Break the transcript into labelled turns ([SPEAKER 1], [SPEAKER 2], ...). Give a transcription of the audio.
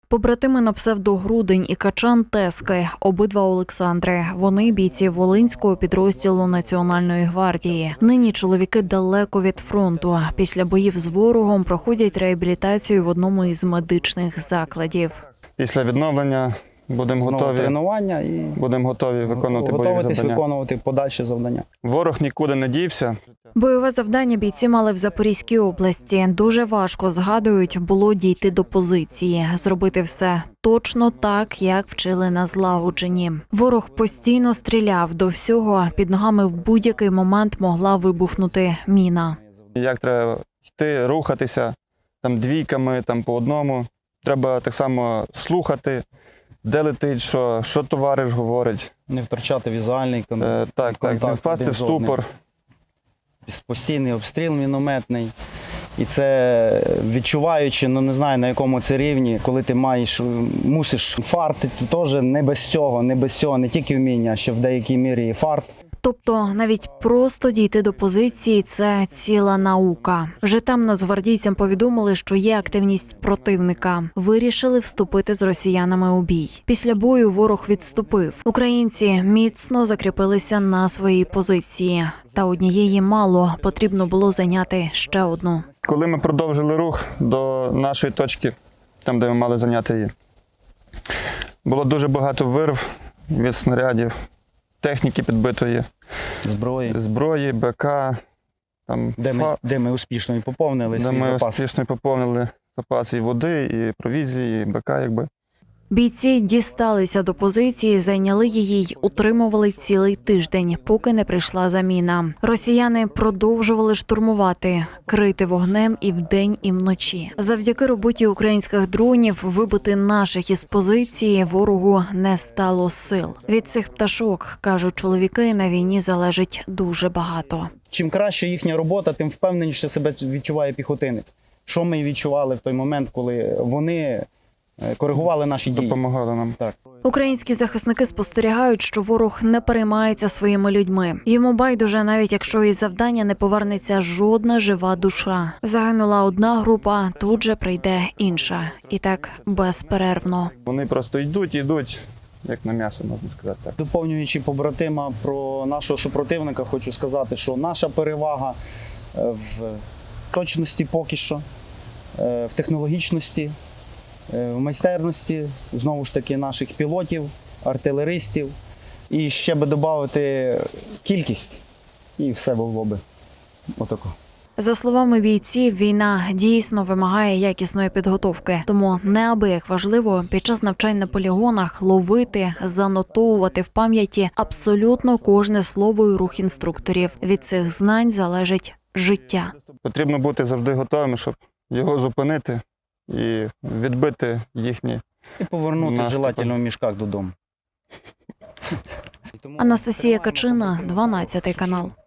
[SPEAKER 1] Побратими на псевдо-Грудень і Качан Тески – обидва Олександри. Вони – бійці Волинського підрозділу Національної гвардії. Нині чоловіки далеко від фронту. Після боїв з ворогом проходять реабілітацію в одному із медичних закладів.
[SPEAKER 2] Після відновлення будемо готові
[SPEAKER 3] тренування і
[SPEAKER 2] виконувати бойові завдання.
[SPEAKER 3] Виконувати подальші завдання.
[SPEAKER 2] Ворог нікуди не дівся.
[SPEAKER 1] Бойове завдання бійці мали в Запорізькій області. Дуже важко, згадують, було дійти до позиції, зробити все точно так, як вчили на злагодженні. Ворог постійно стріляв, до всього під ногами в будь-який момент могла вибухнути міна.
[SPEAKER 2] Як треба йти, рухатися, там двійками, там по одному. Треба так само слухати, де летить, що товариш говорить.
[SPEAKER 3] Не втрачати візуальний контакт.
[SPEAKER 2] Так, не впасти в ступор.
[SPEAKER 3] Постійний обстріл мінометний. І це відчуваючи, не знаю на якому це рівні, коли ти мусиш фарти, то теж не без цього, не тільки вміння, а ще в деякій мірі і фарт.
[SPEAKER 1] Тобто навіть просто дійти до позиції – це ціла наука. Вже там нацгвардійцям повідомили, що є активність противника. Вирішили вступити з росіянами у бій. Після бою ворог відступив. Українці міцно закріпилися на своїй позиції. Та однієї мало, потрібно було зайняти ще одну.
[SPEAKER 2] Коли ми продовжили рух до нашої точки, там, де ми мали зайняти її, було дуже багато вирв від снарядів, техніки підбитої, зброї, БК. Там,
[SPEAKER 3] де ми успішно і поповнили свій запас.
[SPEAKER 2] Де ми успішно поповнили запаси і води, і провізії, і БК, якби.
[SPEAKER 1] Бійці дісталися до позиції, зайняли її й утримували цілий тиждень, поки не прийшла заміна. Росіяни продовжували штурмувати, крити вогнем і вдень, і вночі. Завдяки роботі українських дронів вибити наших із позиції ворогу не стало сил. Від цих пташок, кажуть чоловіки, на війні залежить дуже багато.
[SPEAKER 3] Чим краще їхня робота, тим впевненіше себе відчуває піхотинець. Що ми відчували в той момент, коли вони коригували наші дії.
[SPEAKER 2] Допомагали нам.
[SPEAKER 3] Так.
[SPEAKER 1] Українські захисники спостерігають, що ворог не переймається своїми людьми. Йому байдуже, навіть якщо із завдання не повернеться жодна жива душа. Загинула одна група, тут же прийде інша. І так безперервно.
[SPEAKER 2] Вони просто йдуть, як на м'ясо, можна сказати так.
[SPEAKER 3] Доповнюючи побратима про нашого супротивника, хочу сказати, що наша перевага в точності поки що, в технологічності, в майстерності, знову ж таки, наших пілотів, артилеристів. І ще би додати кількість, і все було би отако.
[SPEAKER 1] За словами бійців, війна дійсно вимагає якісної підготовки. Тому неабияк важливо під час навчань на полігонах ловити, занотовувати в пам'яті абсолютно кожне слово і рух інструкторів. Від цих знань залежить життя.
[SPEAKER 2] Потрібно бути завжди готовим, щоб його зупинити і відбити їхні
[SPEAKER 3] і повернути
[SPEAKER 2] наступи.
[SPEAKER 3] желательно в мішках додому.
[SPEAKER 1] Анастасія Качина, 12 канал.